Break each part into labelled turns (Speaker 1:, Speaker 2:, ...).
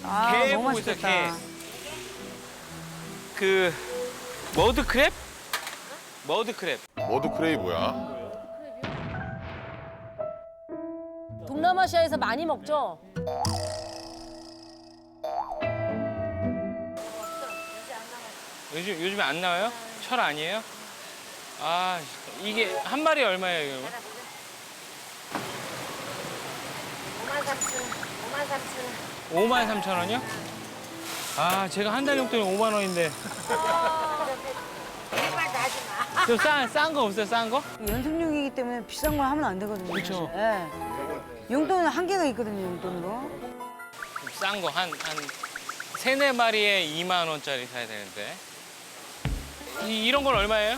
Speaker 1: 개
Speaker 2: 너무
Speaker 1: 보고 있어, 개.
Speaker 2: 맛있겠다.
Speaker 1: 그 머드크랩? 머드크랩.
Speaker 3: 머드크레이 뭐야?
Speaker 4: 동남아시아에서 많이 먹죠?
Speaker 1: 요즘에 안 나와요? 철 아니에요? 아, 이게 한 마리 얼마예요, 이거? 53,000원이요? 아, 제가 한 달 용돈이 5만 원인데. 좀 싼 거 없어요, 싼 거?
Speaker 2: 연습용이기 때문에 비싼 걸 하면 안 되거든요.
Speaker 1: 그쵸.
Speaker 2: 예. 용돈은 한계가 있거든요, 용돈으로.
Speaker 1: 싼 거, 한 세네 마리에 2만 원짜리 사야 되는데. 이런 건 얼마예요?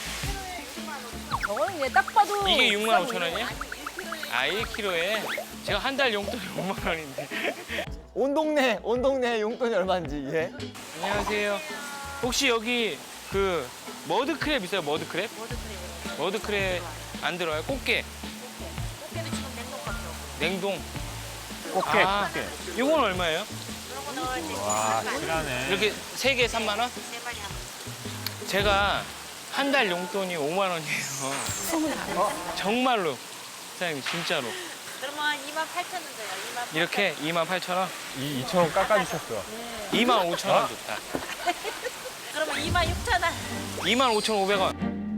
Speaker 4: 저거는 그냥 딱 봐도
Speaker 1: 이게 6만
Speaker 4: 비싸
Speaker 1: 5천 원이요? 아, 1kg에? 제가 한 달 용돈이 5만 원인데.
Speaker 5: 온 동네 용돈이 얼마인지 예?
Speaker 1: 안녕하세요. 혹시 여기 그 머드크랩 있어요? 머드크랩? 머드크랩 안 들어요? 꽃게?
Speaker 6: 꽃게도 지금 냉동밖에 없고.
Speaker 1: 냉동?
Speaker 7: 꽃게,
Speaker 1: 아,
Speaker 7: 꽃게.
Speaker 1: 이건 얼마예요?
Speaker 6: 그런 거 넣을 때
Speaker 7: 와, 실하네.
Speaker 1: 이렇게 세 개 3만 원?
Speaker 6: 세 마리 하면
Speaker 1: 제가 한 달 용돈이 5만 원이에요. 정말로. 사장님, 진짜로.
Speaker 6: 그러면 28,000원 줘요. 28,000원.
Speaker 1: 이렇게 28,000원?
Speaker 7: 2,000원 깎아주셨어.
Speaker 1: 25,000원 좋다.
Speaker 6: 그러면 26,000원.
Speaker 1: 25,500원.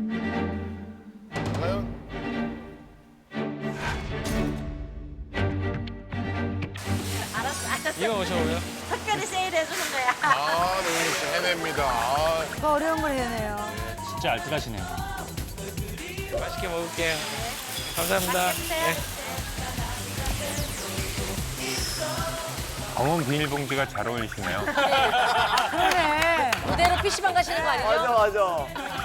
Speaker 3: 과연?
Speaker 6: 알았어.
Speaker 1: 25,500원.
Speaker 6: 특별히 세일해 주는 거야.
Speaker 3: 아, 노윤희 씨 해냅니다. 아,
Speaker 2: 더 어려운 걸 해내요.
Speaker 7: 진짜 알뜰하시네.
Speaker 1: 맛있게 먹을게요. 감사합니다. 네.
Speaker 7: 검은 비닐봉지가 잘 어울리시네요.
Speaker 2: 그러네.
Speaker 4: 그대로 PC방 가시는 거 아니죠?
Speaker 5: 맞아.